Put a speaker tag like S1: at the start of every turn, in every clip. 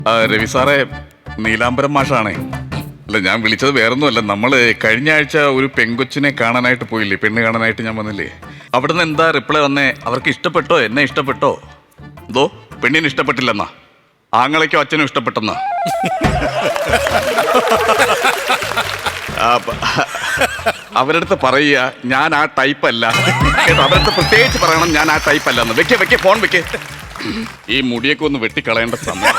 S1: രവി സാറേ, നീലാംബരം മാഷാണേ. അല്ല, ഞാൻ വിളിച്ചത് വേറൊന്നുമല്ല. നമ്മള് കഴിഞ്ഞ ആഴ്ച ഒരു പെങ്കൊച്ചിനെ കാണാനായിട്ട് പോയില്ലേ, പെണ്ണ് കാണാനായിട്ട് ഞാൻ വന്നില്ലേ. അവിടുന്ന് എന്താ റിപ്ലൈ വന്നേ? അവർക്ക് ഇഷ്ടപ്പെട്ടോ, എന്നെ ഇഷ്ടപ്പെട്ടോ? എന്തോ പെണ്ണിന് ഇഷ്ടപ്പെട്ടില്ലെന്നാ, ആങ്ങളയ്ക്കോ അച്ഛനും ഇഷ്ടപ്പെട്ടെന്നാ. അവരടുത്ത് പറയുക ഞാൻ ആ ടൈപ്പ് അല്ല കേട്ടോ. അവരടുത്ത് പ്രത്യേകിച്ച് പറയണം ഞാൻ ആ ടൈപ്പ് അല്ലെന്ന്. വെക്കേ ഫോൺ വെക്കേ. ഈ മുടിയൊക്കെ ഒന്ന് വെട്ടിക്കളയേണ്ട സമയം.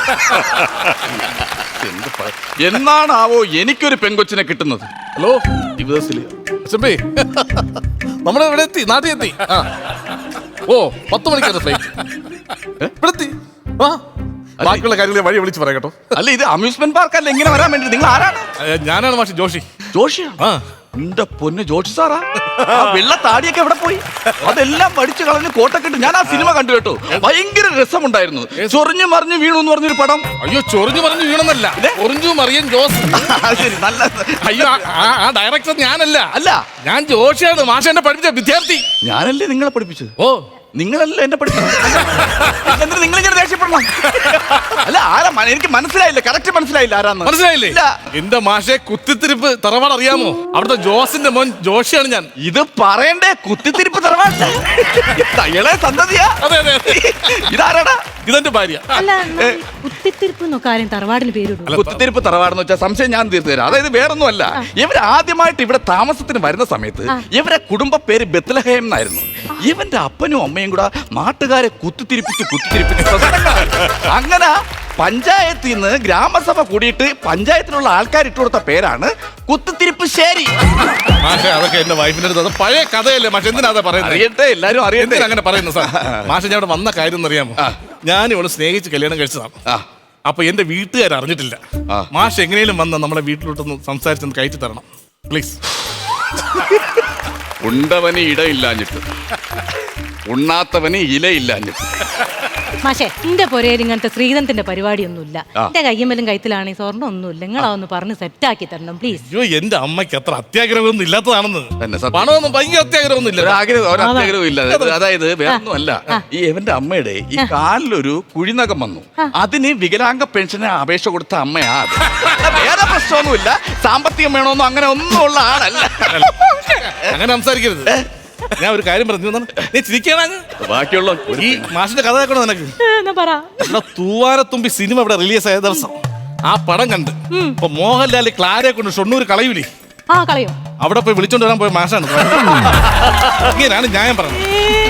S1: എന്നാണാവോ എനിക്കൊരു പെങ്കൊച്ചിനെ കിട്ടുന്നത്?
S2: ഹലോ
S1: ദിവസത്തില്
S2: നമ്മുടെ ഇവിടെ എത്തി, നാട്ടിൽ എത്തി. ഓ 10 മണിക്കാണ് ഫ്ലൈറ്റ്. ഇവിടെ എത്തി. ബാക്കിയുള്ള കാര്യങ്ങൾ വഴി വിളിച്ച് പറയാം കേട്ടോ.
S1: അല്ല, ഇത് അമ്യൂസ്മെന്റ് പാർക്ക് അല്ല, ഇങ്ങനെ വരാൻ വേണ്ടി. നിങ്ങൾ ആരാണ്?
S2: ഞാനാണ് മാഷ് ജോഷി.
S1: ജോഷിയാ? എന്റെ പൊന്ന് ജോഷി സാറാ. ആ വെള്ള താടിയൊക്കെ എവിടെ പോയി? അതെല്ലാം പഠിച്ചു കളഞ്ഞ് കോട്ടൊക്കെ ഇട്ട്. ഞാൻ ആ സിനിമ കണ്ടു കേട്ടോ, ഭയങ്കര രസമുണ്ടായിരുന്നു. ചൊറിഞ്ഞു മറിഞ്ഞു വീണു എന്ന് പറഞ്ഞൊരു പടം.
S2: അയ്യോ, ചൊറിഞ്ഞു മറിഞ്ഞു വീണെന്നല്ല, ചൊറിഞ്ഞു മറിയൻ ജോസ്.
S1: ശരി, നല്ല.
S2: അയ്യോ, ആ ഡയറക്ടർ ഞാനല്ല.
S1: അല്ല,
S2: ഞാൻ ജോഷിയാണ്, മാഷ എന്നെ പഠിപ്പിച്ച വിദ്യാർത്ഥി.
S1: ഞാനല്ലേ നിങ്ങളെ പഠിപ്പിച്ചത്?
S2: ഓ,
S1: നിങ്ങളല്ല എന്നെ പഠിപ്പിച്ചത്. എന്നിട്ട് നിങ്ങളിങ്ങനെ ദേഷ്യപ്പെടണം? അല്ല, ആരാ? എനിക്ക് മനസ്സിലായില്ല, കറക്റ്റ് മനസ്സിലായില്ല ആരാന്ന്.
S2: മനസ്സിലായില്ലേ? എന്റെ മാഷെ കുത്തിത്തിരിപ്പ് തറവാട് അറിയാമോ? അവിടുത്തെ ജോസിന്റെ മോൻ ജോഷിയാണ് ഞാൻ.
S1: ഇത് പറയണ്ടേ? കുത്തിത്തിരിപ്പ് തറവാട് തയ്യളെ സന്തതിയാ?
S2: അതെ അതെ.
S1: ഇതാരാടാ?
S2: ഇതെന്റെ ഭാര്യ.
S3: കുത്തിത്തിരിപ്പ് കാര്യം തറവാടിന് പേരിടും.
S1: കുത്തിത്തിരിപ്പ് തറവാടെന്ന് വെച്ചാൽ സംശയം ഞാൻ തീർത്തു തരാം. അതായത് വേറൊന്നും അല്ല, ഇവർ ആദ്യമായിട്ട് ഇവിടെ താമസത്തിന് വരുന്ന സമയത്ത് ഇവരെ കുടുംബ പേര് ബെത്ലഹേം എന്നായിരുന്നു. ഇവന്റെ അപ്പനും അമ്മയും കൂടെ നാട്ടുകാരെ കുത്തിത്തിരിപ്പിച്ച് അങ്ങനെ പഞ്ചായത്തിൽ നിന്ന് ഗ്രാമസഭ കൂടിയിട്ട് പഞ്ചായത്തിലുള്ള ആൾക്കാർ ഇട്ടുകൊടുത്ത പേരാണ് കുത്തിത്തിരിപ്പ് ശേരി.
S2: മാഷെ, അതൊക്കെ എന്റെ വൈഫിന്റെ അടുത്ത് പഴയ കഥയല്ലേ മാഷെ, എന്തിനാ പറയുന്നത്?
S1: അറിയട്ടെ, എല്ലാരും അറിയട്ടെ.
S2: അങ്ങനെ പറയുന്നു സാർ. മാഷെ, ഞാൻ ഇവിടെ വന്ന കാര്യം എന്നറിയാമോ? ഞാൻ ഇവിടെ സ്നേഹിച്ച് കല്യാണം കഴിച്ചതാണ്. അപ്പൊ എന്റെ വീട്ടുകാർ അറിഞ്ഞിട്ടില്ല. മാഷ് എങ്ങനെയും വന്ന് നമ്മളെ വീട്ടിലോട്ടൊന്ന് സംസാരിച്ചൊന്ന് കയറ്റി തരണം പ്ലീസ്.
S1: ഉണ്ടവന് ഇടയില്ലാഞ്ഞിട്ട്, ഉണ്ണാത്തവന് ഇലയില്ലാഞ്ഞിട്ട്.
S3: മാഷേ, എന്റെ പൊരയിൽ ഇങ്ങനത്തെ ശ്രീധന്തിന്റെ പരിപാടിയൊന്നുമില്ല. എന്റെ കയ്യമ്മലും കൈത്തിലാണ് സ്വർണ്ണം ഒന്നുമില്ല. നിങ്ങളതൊന്ന് പറഞ്ഞ് സെറ്റാക്കി തരണം പ്ലീസ്.
S2: അയ്യോ, എന്റെ അമ്മയ്ക്ക് അത്ര അത്യാഗ്രഹമൊന്നും ഇല്ലാത്തതാണെന്ന്.
S1: സത്യം.
S2: പണമൊന്നും ഭയങ്കര അത്യാഗ്രഹമൊന്നും ഇല്ല.
S1: ഒരാഗ്രഹവും ഇല്ല. അതായത് വേറൊന്നും അല്ല, ഈ എവന്റെ അമ്മയുടെ ഈ കാലിലൊരു കുഴിനകം വന്നു. അതിന് വികലാംഗ പെൻഷന് അപേക്ഷ കൊടുത്ത അമ്മയാ അത്. വേറെ പ്രശ്നമൊന്നുമില്ല, സാമ്പത്തികം വേണമെന്നോ അങ്ങനെ ഒന്നും ഉള്ള ആളല്ല.
S2: അങ്ങനെ സംസാരിക്കരുത്. ഞാൻ ഒരു കാര്യം പറഞ്ഞു, നീ ചിരിക്കണ
S1: ബാക്കിയുള്ള
S2: ഈ മാഷിന്റെ കഥ കേൾക്കണോ നിനക്ക്? ഇവിടെ തൂവാനത്തുമ്പി സിനിമ ഇവിടെ റിലീസ് ആയ ദിവസം ആ പടം കണ്ട് ഇപ്പൊ മോഹൻലാൽ ക്ലാരയെ കൊണ്ട് ഷൊണ്ണൂർ കളയൂലേ,
S3: കളയും.
S2: അവിടെ പോയി വിളിച്ചോണ്ട് വരാൻ പോയ മാഷാണ്. ഇങ്ങനെയാണ് ന്യായം പറഞ്ഞത്.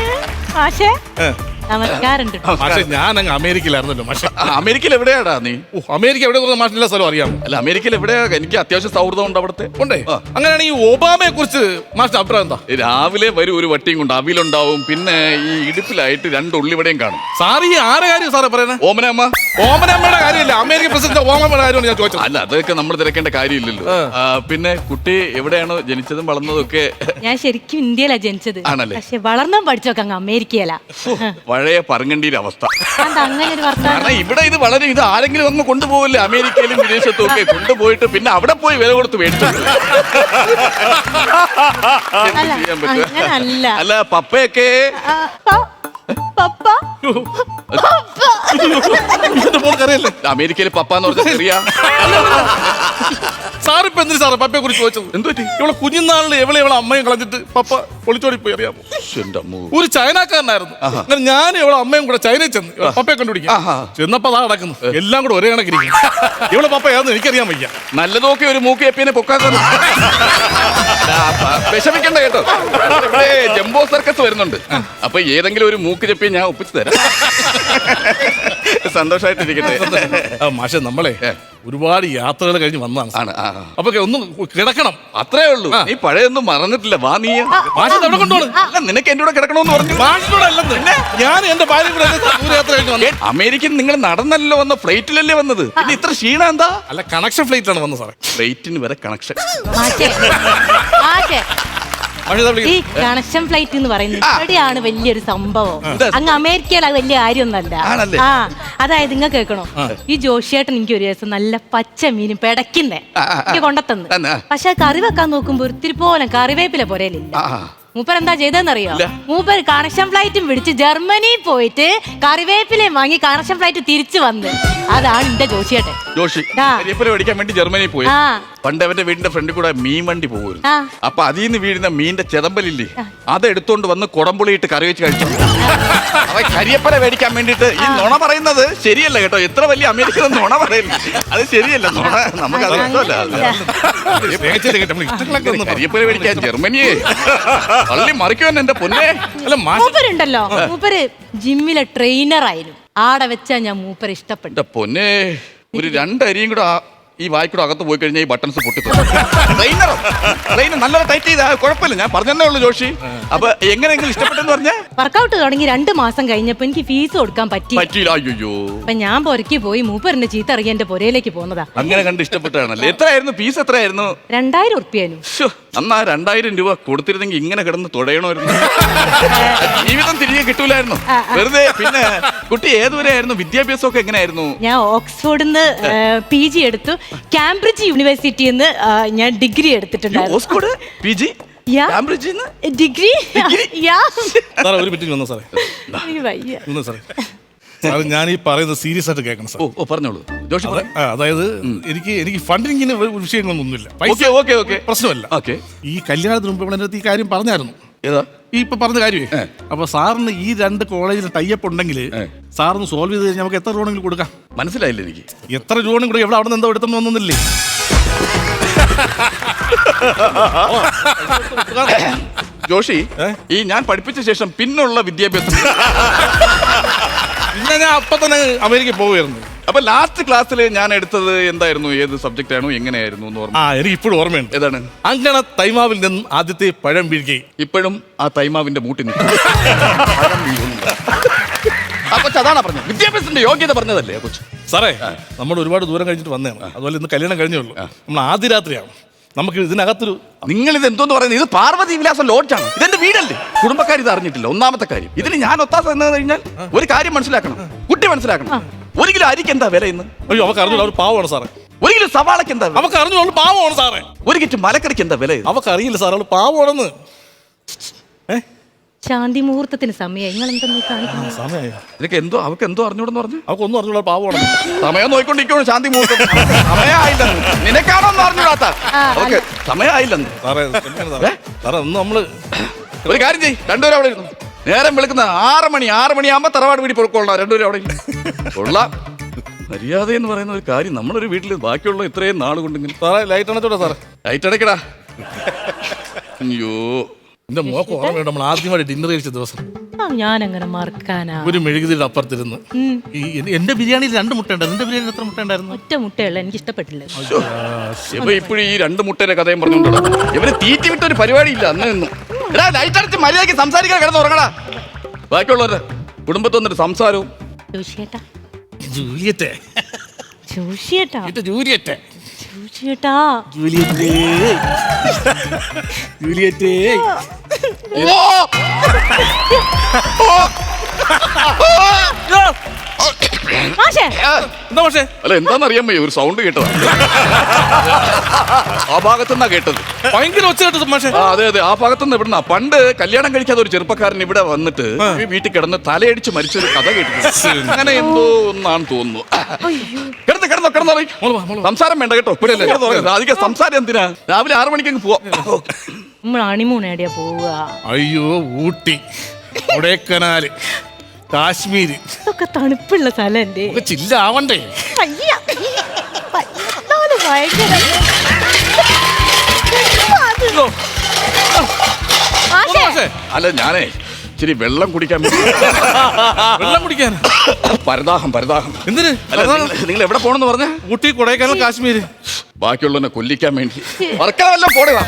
S2: പക്ഷെ ഞാൻ അങ്ങ് അമേരിക്കയിലായിരുന്നല്ലോ മാഷെ.
S1: അമേരിക്കയിൽ എവിടെയാടാ നീ?
S2: അമേരിക്ക എവിടെ മാഷിന്റെ സ്ഥലം അറിയാമോ?
S1: അല്ല, അമേരിക്കയിൽ എവിടെയാ? എനിക്ക് അത്യാവശ്യം സൗഹൃദം ഉണ്ട് അവിടുത്തെ.
S2: ഉണ്ടേ? അങ്ങനെയാണ് ഈ ഒബാമയെ കുറിച്ച് മാഷിന്റെ അഭിപ്രായം എന്താ?
S1: രാവിലെ വരും ഒരു വട്ടിയും കൊണ്ട് അവിലുണ്ടാവും, പിന്നെ ഈ ഇടുപ്പിലായിട്ട് 2 ഉള്ളിവിടെയും കാണും.
S2: സാർ ഈ ആരെ കാര്യം സാറേ പറയുന്നത്?
S1: ഓമനമ്മ.
S2: ഓമനമ്മയുടെ കാര്യമില്ല, അമേരിക്കൻ പ്രസിഡന്റ് ഓമനമ്മയുടെ കാര്യമാണ് ഞാൻ ചോദിച്ചത്.
S1: അല്ല, അതൊക്കെ നമ്മൾ തിരക്കേണ്ട കാര്യമില്ലല്ലോ. പിന്നെ കുട്ടി എവിടെയാണോ ജനിച്ചതും വളർന്നതും ഒക്കെ?
S3: ഞാൻ ശരിക്കും ഇന്ത്യയിലാ ജനിച്ചത്.
S1: ആണല്ലേ?
S3: പക്ഷെ വളർന്നും പഠിച്ചൊക്കെ അങ്ങ് അമേരിക്കയിലാ.
S1: പഴയ പറങ്കണ്ടിയുടെ അവസ്ഥ.
S3: അങ്ങനെ ഒരു വർത്തമാനം.
S1: കാരണം ഇവിടെ ഇത് വളരെ ഇത് ആരെങ്കിലും അങ്ങ് കൊണ്ടുപോകില്ലേ, അമേരിക്കയിലും വിദേശത്തും ഒക്കെ കൊണ്ടുപോയിട്ട് പിന്നെ അവിടെ പോയി വില കൊടുത്ത് മേടിച്ചു. അല്ല, പപ്പയൊക്കെ അമേരിക്കയിൽ പപ്പ എന്ന് പറഞ്ഞ ചെറിയ
S2: സാറിപ്പോ എന്തിനു സാറേ പപ്പയെ കുറിച്ച് ചോദിച്ചത്?
S1: എന്തു പറ്റി?
S2: ഇവളെ കുഞ്ഞുനാളിൽ ഇവളെ അമ്മയും കളഞ്ഞിട്ട് പപ്പ ഒളിച്ചോടി പോയി, അറിയാമോ? ഒരു ചൈനക്കാരനായിരുന്നു. അങ്ങനെ ഞാൻ ഇവളെ അമ്മയും കൂടെ ചൈനയിൽ ചെന്ന് പപ്പയെ കണ്ടുപിടിക്കാം. ചെന്നപ്പോ അതാ നടക്കുന്നു, എല്ലാം കൂടെ ഒരേ കണക്കിരിക്കും. ഇവളെ പപ്പ ഏതെന്ന് എനിക്കറിയാൻ വയ്യ.
S1: നല്ലതൊക്കെ ഒരു മൂക്ക് എപ്പിനെ പൊക്കാക്കുന്നു. വിഷമിക്കണ്ട കേട്ടോ, ഇവിടെ ജംബോ സർക്കസ് വരുന്നുണ്ട്. അപ്പൊ ഏതെങ്കിലും ഒരു മൂക്ക് ചെപ്പിയെ ഞാൻ ഒപ്പിച്ചു തരാം. സന്തോഷമായിട്ടിരിക്കട്ടെ.
S2: മാഷെ, നമ്മളെ ഒരുപാട് യാത്രകൾ കഴിഞ്ഞ് വന്നതാണ്. അപ്പൊ ഒന്ന് കിടക്കണം,
S1: അത്രേ ഉള്ളൂ. നീ പഴയൊന്നും മറന്നിട്ടില്ല. വാ, നീ
S2: അവിടെ കൊണ്ടുപോകണം.
S1: നിനക്ക് എന്റെ കൂടെ കിടക്കണമെന്ന് പറഞ്ഞു.
S2: ഞാൻ എന്റെ ഭാര്യ കൂടെ ദൂരയാത്ര കഴിഞ്ഞ് വന്നു.
S1: അമേരിക്കൻ നിങ്ങൾ നടന്നല്ലോ വന്ന, ഫ്ലൈറ്റിലല്ലേ വന്നത്? പിന്നെ ഇത്ര ക്ഷീണം എന്താ?
S2: അല്ല, കണക്ഷൻ ഫ്ലൈറ്റിലാണ് വന്നത് സാറേ.
S1: ഫ്ലൈറ്റിന് വരെ കണക്ഷൻ.
S3: ഈ കണക്ഷൻ ഫ്ലൈറ്റ് എന്ന് പറയുന്നത് ഇവിടെയാണ് വലിയൊരു സംഭവം. അങ്ങ് അമേരിക്കയിൽ അത് വലിയ കാര്യമൊന്നല്ല. അതായത് ഇങ്ങ കേൾക്കണോ, ഈ ജോഷിയേട്ടൻ എനിക്ക് ഒരു ദിവസം നല്ല പച്ച മീനും പെടക്കുന്നേ എനിക്ക് കൊണ്ടത്തന്ന്. പക്ഷെ കറി വെക്കാൻ നോക്കുമ്പോ ഒത്തിരി പോലെ കറിവേപ്പില പോരേലില്ല. മൂപ്പർ എന്താ ചെയ്തെന്നറിയോ? മൂപ്പർ കണക്ഷൻ ഫ്ലൈറ്റും പിടിച്ച് ജർമ്മനിയിൽ പോയിട്ട് കറിവേപ്പിലയും വാങ്ങി കണക്ഷൻ ഫ്ലൈറ്റ് തിരിച്ചു വന്ന്. അതാണ് എന്റെ ജോഷിയേട്ടൻ.
S1: ജോഷി കരിവേപ്പില മേടിക്കാൻ വേണ്ടി ജർമ്മനിയിൽ പോയി. പണ്ട് അവന്റെ വീടിന്റെ ഫ്രണ്ടിൽ കൂടെ മീൻ വണ്ടി പോകുമായിരുന്നു. അപ്പൊ അതിൽ നിന്ന് വീഴുന്ന മീനിന്റെ ചെതമ്പലില്ലേ, അതെടുത്തോണ്ട് വന്ന് കുടംപുളിയിട്ട് കറി വെച്ച് കഴിച്ചു. അവൻ കരിവേപ്പില മേടിക്കാൻ വേണ്ടിട്ട് ഈ നുണ പറയുന്നത് ശരിയല്ല കേട്ടോ. എത്ര വലിയ അമേരിക്കൻ നുണ പറയുന്നു, അത് ശരിയല്ല. നുണ നമുക്ക് അത് ഇഷ്ടമല്ല. കരിവേപ്പില മേടിക്കാൻ ജർമ്മനിയെ തള്ളി മറിക്കുവാൻ എന്റെ പൊന്നെ. അല്ല
S3: മൂപ്പരുണ്ടല്ലോ, മൂപ്പര് ജിമ്മിലെ ട്രെയിനർ ആയിരുന്നു. ആടെ വെച്ചാ ഞാൻ മൂപ്പര് ഇഷ്ടപ്പെട്ടു.
S1: പൊന്നെ, ഒരു 2 അരിയും കൂടെ ഈ വായിക്കൂടെ അകത്ത് പോയി കഴിഞ്ഞാൽ ഈ ബട്ടൺസ് പൊട്ടിത്തു. ട്രെയിനർ നല്ലൊരു ടൈറ്റ് ചെയ്താ കുഴപ്പമില്ല, ഞാൻ പറഞ്ഞതേ ഉള്ളൂ ജോഷി. അപ്പൊ എങ്ങനെയെങ്കിലും ഇഷ്ടപ്പെട്ടെന്ന് പറഞ്ഞാൽ
S3: വർക്കൗട്ട് തുടങ്ങി 2 മാസം കഴിഞ്ഞപ്പോ എനിക്ക് ഫീസ് കൊടുക്കാൻ പറ്റിയില്ല.
S1: അയ്യോ,
S3: അപ്പൊ ഞാൻ പൊരക്കി പോയി മൂപ്പറിന്റെ ചീത്ത അറിയാൻ എന്റെ പൊരയിലേക്ക് പോന്നതാ.
S1: അങ്ങനെ കണ്ട് ഇഷ്ടപ്പെട്ടാണല്ലേ. എത്രയായിരുന്നു ഫീസ്? എത്രയായിരുന്നു?
S3: 2000 ഉറുപ്പ്യാനും.
S1: അന്നാ 2000 രൂപ കൊടുത്തിരുന്നെങ്കിൽ ഇങ്ങനെ കിടന്ന് തുടയണമായിരുന്നു. ജീവിതം തിരികെ കിട്ടൂലായിരുന്നു വെറുതെ. പിന്നെ കുട്ടി ഏതുവരെയായിരുന്നു? വിദ്യാഭ്യാസമൊക്കെ എങ്ങനെയായിരുന്നു?
S3: ഞാൻ ഓക്സ്ഫോർഡിന്ന് PG എടുത്തു. കാംബ്രിഡ്ജ് യൂണിവേഴ്സിറ്റിന്ന് ഞാൻ ഡിഗ്രി എടുത്തിട്ടുണ്ടായിരുന്നു.
S1: ഓക്സ്ഫോർഡ് PG കാംബ്രിഡ്ജിൽ
S3: ഡിഗ്രി.
S2: ഒരു മിനിറ്റ് വന്നോ സാറേ. ഞാൻ ഈ പറയുന്നത് സീരിയസ് ആയിട്ട് കേൾക്കണം സാർ.
S1: ഓ പറഞ്ഞോളൂ ജോഷി.
S2: അതായത് എനിക്ക് ഫണ്ടിങ്ങിന് വിഷയങ്ങളൊന്നുമില്ല, പ്രശ്നമല്ല. ഈ കല്യാണത്തിന് മുമ്പ് ഇവിടെ ഈ കാര്യം പറഞ്ഞായിരുന്നു. ഈ ഇപ്പൊ പറഞ്ഞ കാര്യമേ. അപ്പൊ സാറിന് ഈ 2 കോളേജിൽ ടൈപ്പ് ഉണ്ടെങ്കിൽ സാറിന് സോൾവ് ചെയ്ത് കഴിഞ്ഞാൽ നമുക്ക് എത്ര രൂപയെങ്കിലും കൊടുക്കാം.
S1: മനസ്സിലായില്ല എനിക്ക്.
S2: എത്ര രൂപയും കൂടെ എവിടെ അവിടെ നിന്ന് എന്തോ എടുത്തെന്ന് വന്നില്ലേ?
S1: ജോഷി, ഈ ഞാൻ പഠിപ്പിച്ച ശേഷം പിന്നുള്ള വിദ്യാഭ്യാസം
S2: പിന്നെ ഞാൻ അപ്പൊ തന്നെ അമേരിക്കയിൽ പോവുകയായിരുന്നു.
S1: അപ്പൊ ലാസ്റ്റ് ക്ലാസ്സിൽ ഞാൻ എടുത്തത് എന്തായിരുന്നു? ഏത് സബ്ജക്റ്റ് ആണോ എങ്ങനെയായിരുന്നു എന്ന് ഓർമ്മ?
S2: എനിക്ക് ഇപ്പോഴും ഓർമ്മയുണ്ട്.
S1: ഏതാണ്?
S2: അങ്ങനെ തൈമാവിൽ നിന്നും ആദ്യത്തെ പഴം വീഴുകയും
S1: ഇപ്പോഴും ആ തൈമാവിന്റെ മൂട്ടി നിൽക്കും. ആ കൊച്ചു അതാണ് പറഞ്ഞത്, വിദ്യാഭ്യാസത്തിന്റെ യോഗ്യത പറഞ്ഞതല്ലേ കൊച്ചു.
S2: സാറേ, നമ്മൾ ഒരുപാട് ദൂരം കഴിഞ്ഞിട്ട് വന്നതാണ്. അതുപോലെ ഇന്ന് കല്യാണം കഴിഞ്ഞേ ഉള്ളൂ. നമ്മൾ ആദ്യ രാത്രിയാണ്. നമുക്ക് ഇതിനകത്തൊരു
S1: നിങ്ങൾ ഇത് എന്തോന്ന് പറയുന്നത്? ഇത് പാർവതി വിലാസം ലോഡ്ജാണ്. ഇതെന്റെ വീടല്ലേ. കുടുംബക്കാർ ഇത് അറിഞ്ഞിട്ടില്ല. ഒന്നാമത്തെ കാര്യം. ഇതിന് ഞാൻ ഒത്താസ എന്ന് കഴിഞ്ഞാൽ ഒരു കാര്യം മനസ്സിലാക്കണം, കുട്ടി മനസ്സിലാക്കണം. 1 കിലോ അരിക്ക് എന്താ വില ഇന്ന്?
S2: അയ്യോ, അവർക്ക് അറിഞ്ഞു, അവർ പാവമാണ് സാറേ.
S1: 1 കിലോ സവാളക്ക് എന്താ?
S2: അവർക്ക് അറിഞ്ഞു, അവൾ പാവമാണ് സാറേ.
S1: 1 കിറ്റ് മലക്കറിക്ക് എന്താ വില?
S2: അവർക്ക് അറിയില്ല സാർ, അവൾ പാവമാണെന്ന്.
S3: ശാന്തി മുഹൂർത്തത്തിന് സമയം.
S1: നിനക്ക് എന്തോ അവൾക്ക് എന്തോ അറിഞ്ഞൂടെന്ന് പറഞ്ഞു?
S2: അവൾക്കൊന്നും അറിഞ്ഞൂടാ, പാവമാണ്.
S1: സമയം നോക്കിക്കൊണ്ടിരിക്കണോ ശാന്തി മുഹൂർത്തം? സമയമായില്ലെന്ന്. നിനക്കാണോ ഒന്നും അറിഞ്ഞൂടാത്ത? അവൾക്ക് സമയമായില്ലെന്ന്.
S2: സാറേ ഒന്ന് നമ്മള്
S1: ഒരു കാര്യം ചെയ്യ്, 2 പേരും അവിടെ ഇരുന്നു. നേരം വിളിക്കുന്ന 6 മണിയാകുമ്പോ തറവാട് വീട്ടിൽ പൊറുക്കൊള്ളാം. 2 പേരും അവിടെ കൊള്ളാം. മര്യാദ എന്ന് പറയുന്ന ഒരു കാര്യം നമ്മളൊരു വീട്ടിൽ ബാക്കിയുള്ള ഇത്രയും നാൾ കൊണ്ടിങ്ങനെ.
S2: സാറേ ലൈറ്റ് അണച്ചോടാ സാറേ.
S1: ലൈറ്റ് അടയ്ക്കടാ. അയ്യോ,
S2: എന്റെ മോക്ക് ഓർമ്മയുണ്ട്, നമ്മൾ ആദ്യമായിട്ട് ഡിന്നർ കഴിച്ച ദിവസം.
S3: ഞാൻ അങ്ങനെ മറക്കാനാ?
S2: ഒരു മെഴുകുതിരിയുടെ അപ്പുറത്തിരുന്ന് എന്റെ ബിരിയാണിയിൽ 2 മുട്ട ഉണ്ടായിരുന്നു. എന്റെ ബിരിയാണി എത്ര മുട്ട ഉണ്ടായിരുന്നു?
S3: ഒറ്റ മുട്ടയുള്ള, എനിക്ക് ഇഷ്ടപ്പെട്ടില്ല.
S1: ഇപ്പോഴും ഈ 2 മുട്ടയുടെ കഥയും പറഞ്ഞോണ്ടോ. ഇവര് തീറ്റി വിട്ട ഒരു പരിപാടിയില്ല അന്ന് നിന്നും. എടാ ലൈറ്റ് അടച്ച് മര്യാദയ്ക്ക് സംസാരിക്കാൻ കിടന്ന് ഉറങ്ങടാ. ബാക്കിയുള്ളവരുടെ കുടുംബത്തിൽ വന്നിട്ട് സംസാരവും. അല്ല എന്താന്നറിയാൻ വയ്യ, ഒരു സൗണ്ട് കേട്ടതാ. ആ ഭാഗത്തുനിന്നാ കേട്ടത്.
S2: ഭയങ്കര ഒച്ച കേട്ടത് മാഷേ.
S1: അതെ അതെ, ആ ഭാഗത്തുനിന്ന് ഇവിടുന്ന. പണ്ട് കല്യാണം കഴിക്കാതെ ഒരു ചെറുപ്പക്കാരൻ ഇവിടെ വന്നിട്ട് ഈ വീട്ടിൽ കിടന്ന് തലയടിച്ച് മരിച്ചൊരു കഥ കേട്ടിട്ടുണ്ട്. അങ്ങനെ എന്തോ ഒന്നാണ് തോന്നുന്നു. കിടന്നോ സംസാരം വേണ്ട കേട്ടോ. അധികം സംസാരം എന്തിനാ? രാവിലെ 6 മണിക്ക് അങ്ങ് പോവാം.
S3: നമ്മൾ ഹണിമൂൺ എവിടെയാ പോവുക?
S2: അയ്യോ, ഊട്ടി, കൊടൈക്കനാല്, കാശ്മീര്.
S3: ഇതൊക്കെ തണുപ്പുള്ള സ്ഥലല്ലേ?
S2: ചില്ലാവണ്ടേ?
S1: അല്ല ഞാനേ ഇച്ചിരി വെള്ളം കുടിക്കാൻ പരദാഹം.
S2: എന്തിന്?
S1: നിങ്ങൾ എവിടെ പോണെന്ന് പറഞ്ഞ?
S2: ഊട്ടി, കൊടൈക്കനാൽ, കാശ്മീര്.
S1: ബാക്കിയുള്ളവനെ കൊല്ലിക്കാൻ വേണ്ടി വർക്കവല്ലോ പോടുക.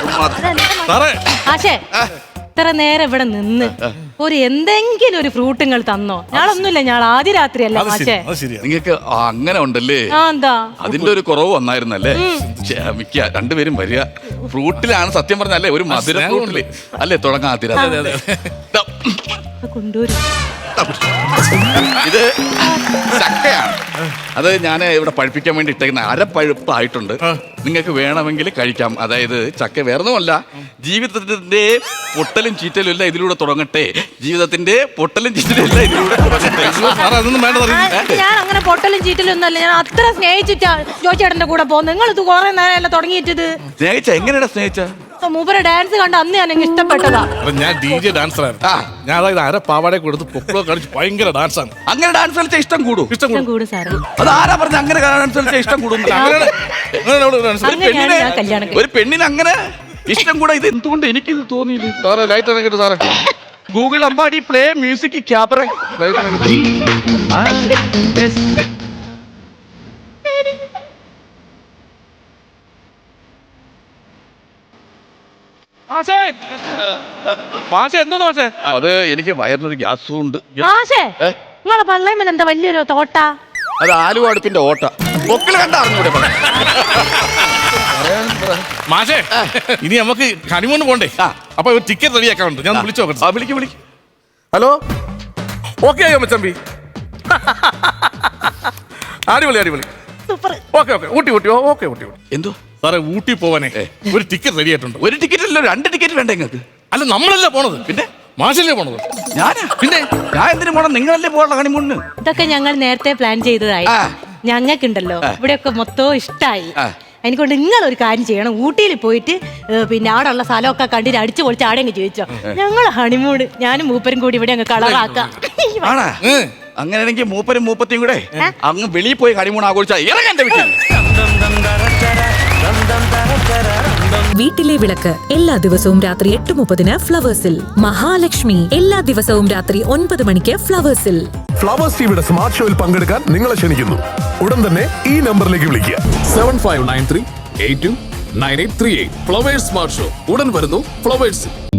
S3: ഇത്ര നേരം ഇവിടെ നിന്ന് ഒരു എന്തെങ്കിലും ഒരു ഫ്രൂട്ട് നിങ്ങൾ തന്നോ? ഞാളൊന്നുമില്ല, ഞാൻ ആദ്യ രാത്രിയല്ല മാഷേ.
S1: നിങ്ങൾക്ക് അങ്ങനെ ഉണ്ടല്ലേ?
S3: എന്താ
S1: അതിന്റെ ഒരു കുറവ് വന്നായിരുന്നല്ലേ? ക്ഷമിക്ക, 2 പേരും വരിക. ഫ്രൂട്ടിലാണ് സത്യം പറഞ്ഞല്ലേ, ഒരു മധുര ഫ്രൂട്ടില് അല്ലേ തുടങ്ങാതിര.
S3: കൊണ്ടുവരും.
S1: ഇത് ചക്കയാണ്. അത് ഞാൻ ഇവിടെ പഴുപ്പിക്കാൻ വേണ്ടി ഇട്ടേക്കുന്ന അരപ്പഴുപ്പായിട്ടുണ്ട്. നിങ്ങൾക്ക് വേണമെങ്കിൽ കഴിക്കാം. അതായത് ചക്ക വേറൊന്നുമല്ല, ജീവിതത്തിന്റെ പൊട്ടലും ചീറ്റലും എല്ലാം ഇതിലൂടെ തുടങ്ങട്ടെ. ജീവിതത്തിന്റെ പൊട്ടലും ചീറ്റലും എല്ലാം ഇതിലൂടെ തുടങ്ങട്ടെ.
S2: അതൊന്നും വേണ്ട.
S3: ഞാൻ അങ്ങനെ പൊട്ടലും ചീറ്റലും ഒന്നല്ല, ഞാൻ അത്ര സ്നേഹിച്ചിട്ടാ ജോച്ചേട്ടന്റെ കൂടെ പോകുന്നത്. നിങ്ങൾ ഇത് കുറെ നേരമല്ല തുടങ്ങിയിട്ടത്.
S1: സ്നേഹിച്ച എങ്ങനെയാ സ്നേഹിച്ച?
S3: മൂപ്പരെ ഡാൻസ് കണ്ട് അന്ന് ഞാൻ എനിക്ക് ഇഷ്ടപ്പെട്ടതാ.
S2: ഞാൻ DJ ഡാൻസർ ആയിരുന്നു. ഞാൻ അതായത് അര പാവാടെ കൊടുത്ത് പൊക്കളോ കളിച്ച് ഭയങ്കര ഡാൻസാണ്.
S1: അങ്ങനെ ഡാൻസ് കളിച്ചാൽ ഇഷ്ടം കൂടും.
S2: ഇഷ്ടം കൂടും
S3: സാറ്.
S1: അത് ആരാ പറഞ്ഞ അങ്ങനെ ഡാൻസ് കളിച്ചാൽ ഇഷ്ടം കൂടും? ഒരു പെണ്ണിന് അങ്ങനെ ഇഷ്ടം കൂടെ. ഇത് എന്തുകൊണ്ട് എനിക്കിത് തോന്നിയില്ല?
S2: സാറേ ലൈറ്റ് അണക്കിട്ട് സാറേ.
S1: Google Ambadi play music cabaret. അത് എനിക്ക് വയറിനൊരു ഗ്യാസും ഉണ്ട്.
S3: നിങ്ങളെ പള്ളേമ്മ എന്താ വലിയൊരു തോട്ട?
S1: അത് ആലുവ അടുപ്പിന്റെ ഓട്ട. പൊക്കിള് കണ്ട അറിഞ്ഞൂടെ?
S2: മാഷേ, ഇനി നമുക്ക് ഹണിമൂണ് പോണ്ടേ? അപ്പൊ ഒരു ടിക്കറ്റ് റെഡിയാക്കാറുണ്ട്. ഞാൻ വിളിച്ചു നോക്കട്ടെ.
S1: വിളിക്കും.
S2: ഹലോ, ഓക്കെ ആയോ മച്ചമ്പി? അടിപൊളി. ഓക്കെ ഊട്ടി.
S1: എന്തോ
S2: സാറേ, ഊട്ടി പോവാനേ ഒരു ടിക്കറ്റ് റെഡി ആയിട്ടുണ്ട്.
S1: ഒരു ടിക്കറ്റ് അല്ലോ, 2 ടിക്കറ്റ് വേണ്ട നിങ്ങൾക്ക്?
S2: അല്ല, നമ്മളല്ല പോണത്,
S1: പിന്നെ
S2: മാഷല്ലേ പോണത്.
S1: ഞാനാ? പിന്നെ ഞാൻ എന്തിനു പോണം? നിങ്ങളല്ലേ പോകണം ഹണിമൂണിന്.
S3: ഇതൊക്കെ ഞങ്ങൾ നേരത്തെ പ്ലാൻ ചെയ്തതായി. ഞങ്ങൾക്കുണ്ടല്ലോ ഇവിടെയൊക്കെ മൊത്തവും ഇഷ്ടായി. എനിക്കൊണ്ട് നിങ്ങൾ ഒരു കാര്യം ചെയ്യണം. ഊട്ടിയിൽ പോയിട്ട് പിന്നെ അവിടെ ഉള്ള സ്ഥലമൊക്കെ കണ്ടിട്ട് അടിച്ചു പൊളിച്ച് ആടെ അങ്ങ് ചോദിച്ചോ. ഞങ്ങൾ ഹണിമൂണ് ഞാനും മൂപ്പരും കൂടി ഇവിടെ അങ്ങ് കളറാക്കാം.
S1: അങ്ങനെയാണെങ്കിൽ മൂപ്പരും മൂപ്പത്തിയും കൂടെ അങ്ങ് വെളിയിൽ പോയി ഹണിമൂൺ ആഘോഷിച്ചാ ഇറങ്ങാൻ വീട്ടിൽ.
S4: വീട്ടിലെ വിളക്ക് എല്ലാ ദിവസവും രാത്രി 8:30 ഫ്ലവേഴ്സിൽ. മഹാലക്ഷ്മി എല്ലാ ദിവസവും രാത്രി 9 മണിക്ക് ഫ്ലവേഴ്സിൽ.
S5: ഫ്ലവേഴ്സ് ടിവിയുടെ സ്മാർട്ട് ഷോയിൽ പങ്കെടുക്കാൻ നിങ്ങളെ ക്ഷണിക്കുന്നു. ഉടൻ തന്നെ ഈ നമ്പറിലേക്ക് വിളിക്കുക.
S6: 7593829838. ഫ്ലവേഴ്സ് സ്മാർട്ട് ഷോ ഉടൻ വരുന്നു ഫ്ലവേഴ്സിൽ.